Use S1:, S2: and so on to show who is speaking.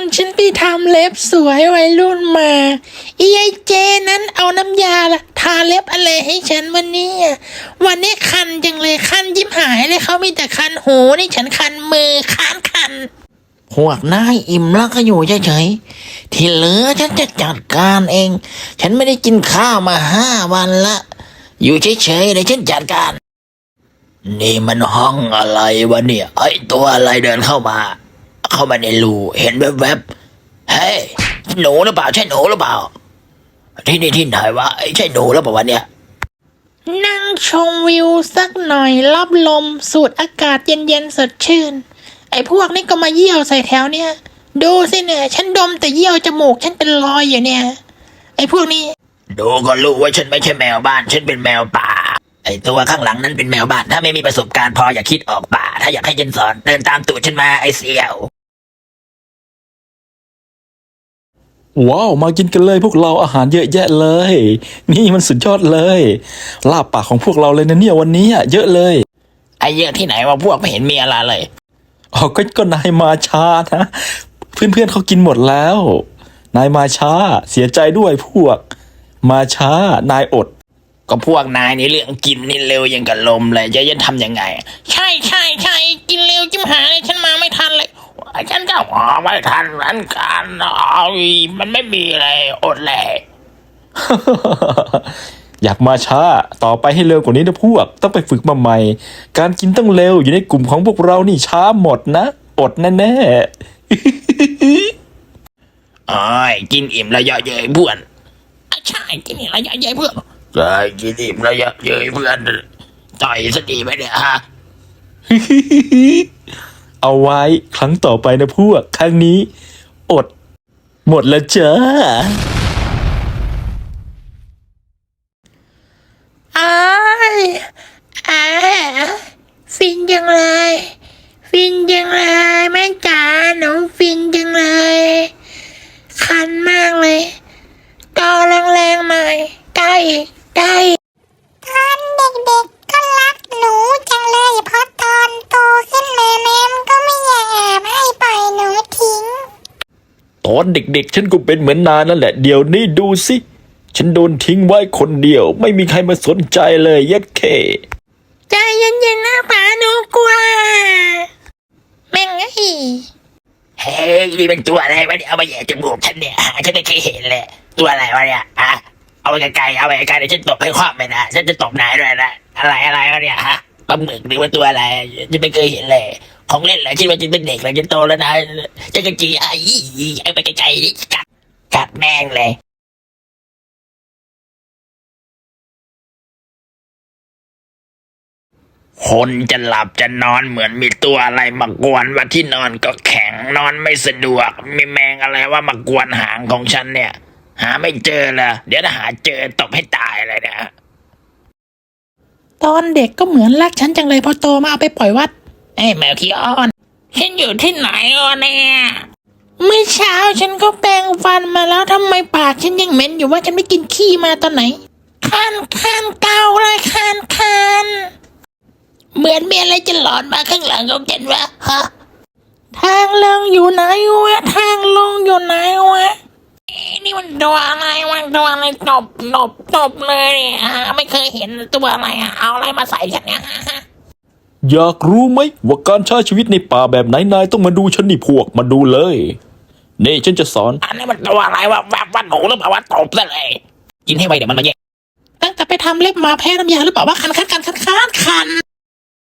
S1: ฉันไปทำเล็บสวยวัยรุ่นมาอีไอเจนั้นเอาน้ำยาทาเล็บอะไรให้ฉันวันนี้คันจังเลยคันยิ้มหายเลยเขามีแต่คันหูนี่ฉันคันมือคันพวกนายอิ่มแล้วก็อยู่เฉยๆที่เหลือฉันจะจัดการเองฉันไม่ได้กินข้าวมา5 วันละอยู่เฉยๆเดี๋ยวฉันจัดการนี่มันห้องอะไรวะเนี่ยไอ้ตัวอะไรเดินเข้ามาในรูเห็นแวบๆเฮ้ยหนูหรือเปล่าใช่หนูหรือเปล่าที่นี่ที่ไหนวะใช่หนูหรือเปล่าวะเนี่ยนั่งชมวิวสักหน่อยรับลมสูดอากาศเย็นๆสดชื่นไอ้พวกนี้ก็มาเยี่ยวใส่แถวเนี่ยดูสิเนี่ยฉันดมแต่เยี่ยวจมูกฉันเป็นรอยอยู่เนี่ยไอ้พวกนี้ดูก็รู้ว่าฉันไม่ใช่แมวบ้านฉันเป็นแมวป่าไอ้ตัวข้างหลังนั้นเป็นแมวบ้านถ้าไม่มีประสบการณ์พออย่าคิดออกป่าถ้าอยากให้ฉันสอนเดินตามตูดฉันมาไอ้เสี่ยว
S2: ว้าวมากินกันเลยพวกเราอาหารเยอะแยะเลยนี่มันสุดยอดเลยลาบปากของพวกเราเลยนะเนี่ยวันนี้เยอะเลย
S1: ไอ้เยอะที่ไหนวะพวกไม่เห็นมีอะไรเลย
S2: อ๋อก็นายมาช้านะเพื่อนๆเขากินหมดแล้วนายมาช้าเสียใจด้วยพวกมาช้านายอด
S1: ก็พวกนายนี่เรื่องกินนี่เร็วยังกับลมเลยจะยันทำยังไงใช่กินเร็วจิ้มหายฉันมาไม่ทันเลยฉันก็ไม่ทันนั้นกันมันไม่มีอะไรอดเลย
S2: อยากมาช้าต่อไปให้เร็วกว่านี้นะพวกต้องไปฝึกมาใหม่การกินต้องเร็วอยู่ในกลุ่มของพวกเรานี่ช้าหมดนะอดแน่
S1: ๆอ้ยกินอิ่มระยะเย้ยเพื่อนใช่กินอิ่มระยะเย้ยเพื่อนใช่กินอิ่มระยะเย้ยเพื่อนต่อยสตีไหมเนี่ยฮะ
S2: เอาไว้ครั้งต่อไปนะพวกครั้งนี้อดหมดแล้วจ้า
S1: ฟินจังเลยแม่จ๋าหนูฟินจังเลยคันมากเลยต่อแรงๆหน่อยใกล้
S3: ตอนเด็กๆก็รักหนูจังเลยเพราะตอนโตขึ้นมาแม่ก็ไม่อยากให้ปล่อยหนูทิ้ง
S2: ตอนเด็กๆฉันก็เป็นเหมือนนายนั่นแหละเดี๋ยวนี้ดูสิฉันโดนทิ้งไว้คนเดียวไม่มีใครมาสนใจเลยยัดเค
S1: ใจเย็นๆนะป๋าหนูกลัวแม่งเฮ้ยนี่เป็นตัวอะไรวะเนี่ยเอามาแย่จมูกฉันเนี่ยฉันไม่เคยเห็นเลยตัวอะไรวะเนี่ยเอาไปไกลเดี๋ยวฉันตบให้คว่ำไปนะฉันจะตบนายด้วยนะอะไรวะเนี่ยปลาหมึกหรือว่าตัวอะไรฉันไม่เคยเห็นเลยของเล่นเหรอฉันว่าฉันเป็นเด็กแล้วฉันโตแล้วนะฉันก็จีไอ้ไปไกลๆนี่กัดแม่งเลยคนจะหลับจะนอนเหมือนมีตัวอะไรมากวนว่าที่นอนก็แข็งนอนไม่สะดวกมีแมงอะไรว่ามากวนหางของฉันเนี่ยหาไม่เจอเลยเดี๋ยวถ้าหาเจอตบให้ตายเลยนะตอนเด็กก็เหมือนรักฉันจังเลยพอโตมาเอาไปปล่อยวัดไอ้แมวขี้อ้อนฉันอยู่ที่ไหนเนี่ยเมื่อเช้าฉันก็แปรงฟันมาแล้วทำไมปากฉันยังเหม็นอยู่ว่าฉันไม่กินขี้มาตอนไหนคันเกาเลยคันเหมือนมีอะไรจะหลอนมาข้างหลังของฉันวะทางลงอยู่ไหนวะนี่มันตัวอะไรตบเลยไม่เคยเห็นตัวอะไรเอาอะไรมาใส่ฉันเนี่ย
S2: อยากรู้ไหมว่าการใช้ชีวิตในป่าแบบไหนนายต้องมาดูฉันนี่พวกมาดูเลยนี่ฉันจะสอน
S1: อันนี้มันตัวอะไรวะว่าหนูหรือเปล่าว่าตบซะเลยกินให้ไวเดี๋ยวมันมาแย่ตั้งแต่ไปทำเล็บมาแพ้น้ำยาหรือเปล่าว่าคัน